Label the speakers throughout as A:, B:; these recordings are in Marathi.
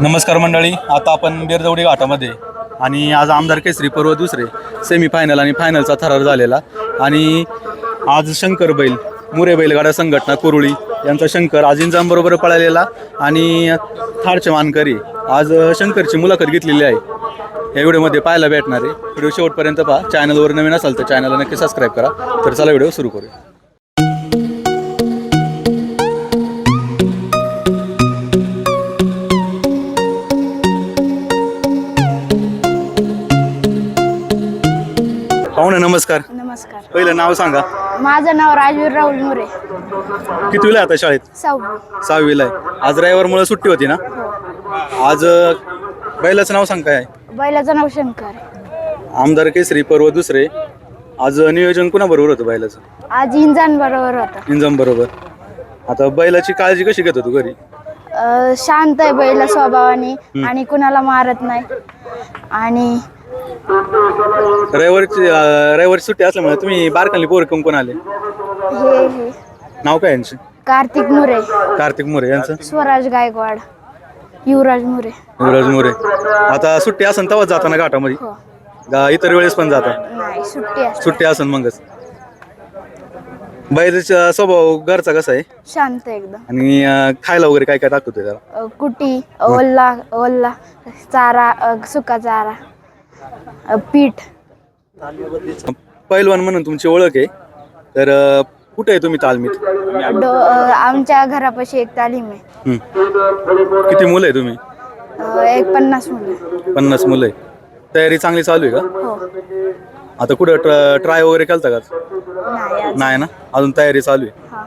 A: नमस्कार मंडळी, आता आपण बेरजवडी घाटामध्ये आणि आज आमदार केसरी पर्व दुसरे सेमीफायनल आणि फायनलचा थरार झालेला आणि आज शंकर बैल मुरे बैलगाडा संघटना कुरुळी यांचा शंकर आज इंजामबरोबर पळालेला आणि थारचे मानकरी आज शंकरची मुलाखत घेतलेली आहे. या व्हिडिओमध्ये पाहायला भेटणार आहे. व्हिडिओ शेवटपर्यंत पहा. चॅनलवर नवीन असाल तर चॅनलला नक्की सबस्क्राईब करा. तर चला व्हिडिओ सुरू करूया. पाहुणे नमस्कार.
B: नमस्कार.
A: पहिलं नाव सांगा.
B: माझं नाव राजवीर राहुल मुरे.
A: कितवीला आहे आता शाळेत? 6वीला आहे. आज रविवारमुळे सुट्टी होती ना? आज बैलाचं नाव सांग काय आहे?
B: बैलाचं नाव शंकर.
A: आमदार केसरी पर्व दुसरे आज नियोजन कुणाबरोबर होतं बैलाचं?
B: आज इंजान बरोबर होता.
A: इंजम बरोबर. आता बैलाची काळजी कशी घेतो तू घरी?
B: शांत आहे बैला स्वभावाने आणि कुणाला मारत नाही. आणि
A: रविवारची सुट्टी असल्यामुळे तुम्ही बारकाली पोर कोण आले?
B: हे
A: नाव काय यांचे?
B: कार्तिक मुरे,
A: कार्तिक मोरे यांचं?
B: स्वराज गायकवाड, युवराज मुरे.
A: युवराज मोरे. आता सुट्टी असन तेव्हाच जाता ना घाटामध्ये?
B: हो.
A: इतर वेळेस पण जाता?
B: नाही, सुट्टी असते.
A: सुट्टी असन मगच. बैलाचा स्वभाव घरचा कसा आहे?
B: शांत एकदम.
A: आणि खायला वगैरे काय काय टाकतो त्याला?
B: कुटी, ओल्ला ओल्ला चारा, सुका चारा, पीठ.
A: पैलवान म्हणून तुमची ओळख आहे, तर कुठे आहे तुम्ही तालमीत?
B: आमच्या घरापाशी एक तालीम आहे.
A: किती मुलं आहे तुम्ही?
B: एक 50 मुलं.
A: 50 मुलं आहे. तयारी चांगली चालू आहे का?
B: हो.
A: आता कुठं ट्राय वगैरे केलता का? नाही ना, अजून तयारी चालू आहे.
B: हा.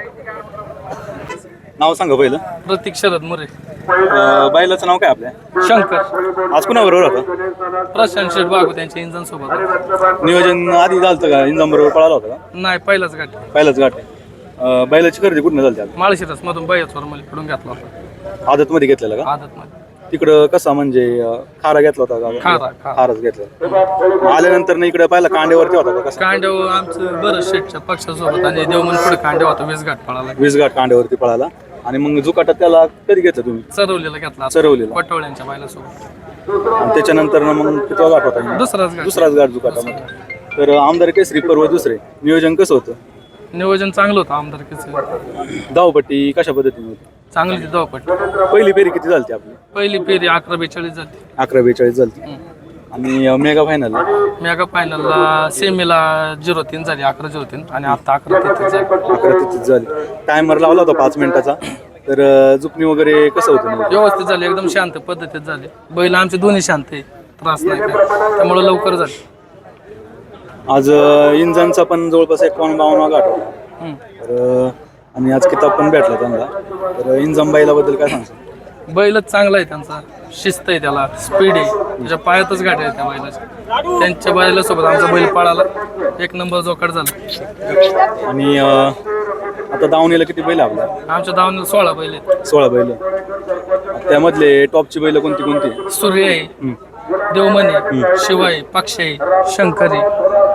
A: नाव सांगा पहिलं.
C: प्रतीक शरद मुरे.
A: बैलाचं नाव काय आपल्या?
C: शंकर.
A: आज कुणाबरोबर होता?
C: प्रशांत शेठ बागू त्यांच्या इंजन सोबत.
A: नियोजन आधी झालं का? इंजाम बरोबर पळाला होता का?
C: नाही, पहिलाच गाठ.
A: पहिलाच गाठ आहे. बैलाची खरेदी कुठून झाली आता?
C: माळशिरस मधून बैयाचवर मला पडून घेतला होता
A: आदत मध्ये घेतलेला का?
C: आदत मध्ये.
A: तिकडं कसा म्हणजे खारा घेतला होता
C: खारा,
A: का?
C: खारा.
A: खाराच घेतला. आल्यानंतर ना इकडे पाहिला कांड्यावरती होता का? कसं?
C: कांड्याव आमचं बरं शेठच्या पक्षासोबत आणि देवमन पुढे कांड्या होता. वीस घाट पळाला.
A: 20 गाठ कांड्यावरती पळाला. आणि मग जुकाटात त्याला कधी घेतलं तुम्ही?
C: चरवलेला घेतला.
A: चरवलेला.
C: पटवळ्यांच्या बायलासोबत.
A: आणि त्याच्यानंतर ना मग किती गाठ होता?
C: दुसराच
A: गाठ जुकाटामध्ये. तर आमदार केसरी पर्व दुसरे नियोजन कसं होतं?
C: नियोजन चांगलं होतं आमदारकीचं.
A: धावपट्टी कशा पद्धतीने होती?
C: चांगली ती धावपट.
A: पहिली फेरी किती झाली आपली?
C: पहिली फेरी 11-42 झाली.
A: 11-42 झाली. आणि मेगा फायनल?
C: मेगा फायनलला सेमीला 0-3 झाली, 11-0-3 आणि आता 11-33 झाली.
A: 11-33 झाली. टायमर लावला होता 5 मिनिटाचा. तर जुकणी वगैरे कसं होतं?
C: व्यवस्थित झाली, एकदम शांत पद्धतीत झाले. बैल आमचे दोन्ही शांत आहे, त्रास नाही काय, त्यामुळे लवकर झाले.
A: आज इंजांचा पण जवळपास 51-52 गाठ होता. तर आणि आज किताब पण भेटला त्यांना. तर इंजाम बैलाबद्दल काय सांगतो?
C: बैलच चांगला आहे त्यांचा, शिस्त आहे त्याला, स्पीड आहे, त्याच्या पायातच गाठ आहे त्या बैलाच्या. त्यांच्या बैलासोबत आमचा बैल पळाला, 1 नंबर जोकाट झाला.
A: आणि आता दावणीला किती बैल आपल्या?
C: आमच्या दावणीला 16 बैल आहेत.
A: 16 बैल. त्यामधले टॉपची बैल कोणती कोणती?
C: सूर्य आहे, देवमनी, शिवाय, पक्ष आहे, शंकर आहे.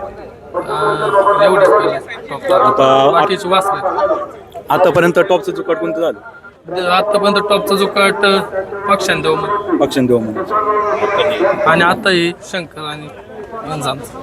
C: एवढेच बैल आहेत.
A: आता
C: बाकीची वासरे.
A: आतापर्यंत टॉपचं जुकाट कोणतं झालं?
C: आतापर्यंत टॉपचा जुकाट पक्षान देवमनी.
A: पक्षान देव म्हणून.
C: आणि आता हे शंकर आणि इंजामचं.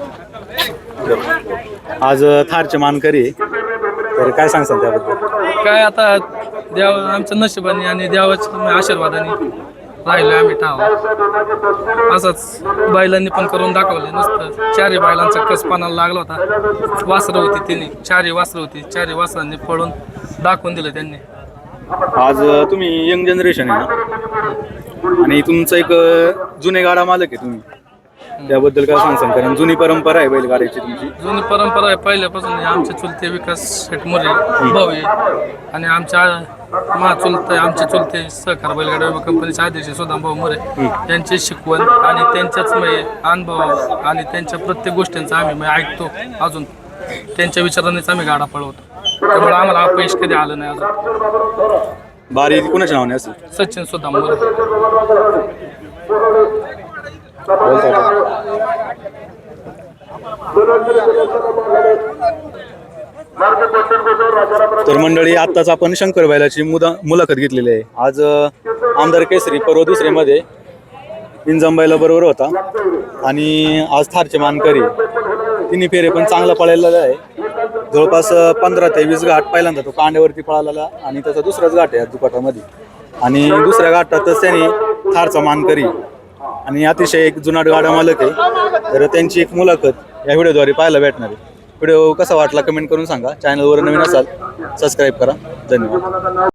A: आज थारचे मानकरी आहे. तर काय सांगसान त्याबद्दल?
C: काय आता देव आमच्या नशिबाने आणि देवाच्या आशीर्वादाने राहिलो आम्ही ठाव. असंच बैलांनी पण करून दाखवले. नुसतं 4 बैलांचा कसपानाला लागला होता. वासरं होती तिने, 4 वासरं होती, 4 वासरांनी पळून दाखवून दिलं त्यांनी.
A: आज तुम्ही यंग जनरेशन आहे ना, आणि तुमचं एक जुने गाडा मालक आहे तुम्ही, त्याबद्दल काय सांगसान? कारण जुनी परंपरा आहे बैलगाड्याची तुमची.
C: जुनी परंपरा आहे पहिल्यापासून. आमचे चुलते विकास शेठ मुरे भाऊ आहे आणि आमच्या आमचे चुलते सहकार बैलगाडा कंपनीचे अध्यक्ष सुदाम भाऊ मुरे यांची शिकवण आणि त्यांच्याच अनुभव आणि त्यांच्या प्रत्येक गोष्टींचा आम्ही ऐकतो. अजून त्यांच्या विचारानेच आम्ही गाडा पळवतो. त्यामुळे आम्हाला अपयश कधी आलं नाही अजून.
A: बारी कुणाच्या नावाने असेल?
C: सचिन सुदाम मुरे.
A: तर मंडळी, आत्ताच आपण शंकर बैलाची मुलाखत घेतलेली आहे. आज आमदार केसरी पर्व दुसरीमध्ये इंजंबाईला बरोबर होता आणि आज थारचे मानकरी तिन्ही फेरे पण चांगला पळालेला आहे. जवळपास 15 ते 20 घाट पहिल्यांदा तो कांड्यावरती पळालेला आणि त्याचा दुसराच घाट आहे दुपाटामध्ये आणि दुसऱ्या घाटातच त्यांनी थारचा मानकरी आणि अतिशय एक जुनाट गाडा मालक आहे. तर त्यांची एक मुलाखत या व्हिडिओद्वारे पाहायला भेटणार आहे. व्हिडिओ कसा वाटला कमेंट करून सांगा. चॅनलवर नवीन असाल सबस्क्राईब करा. धन्यवाद.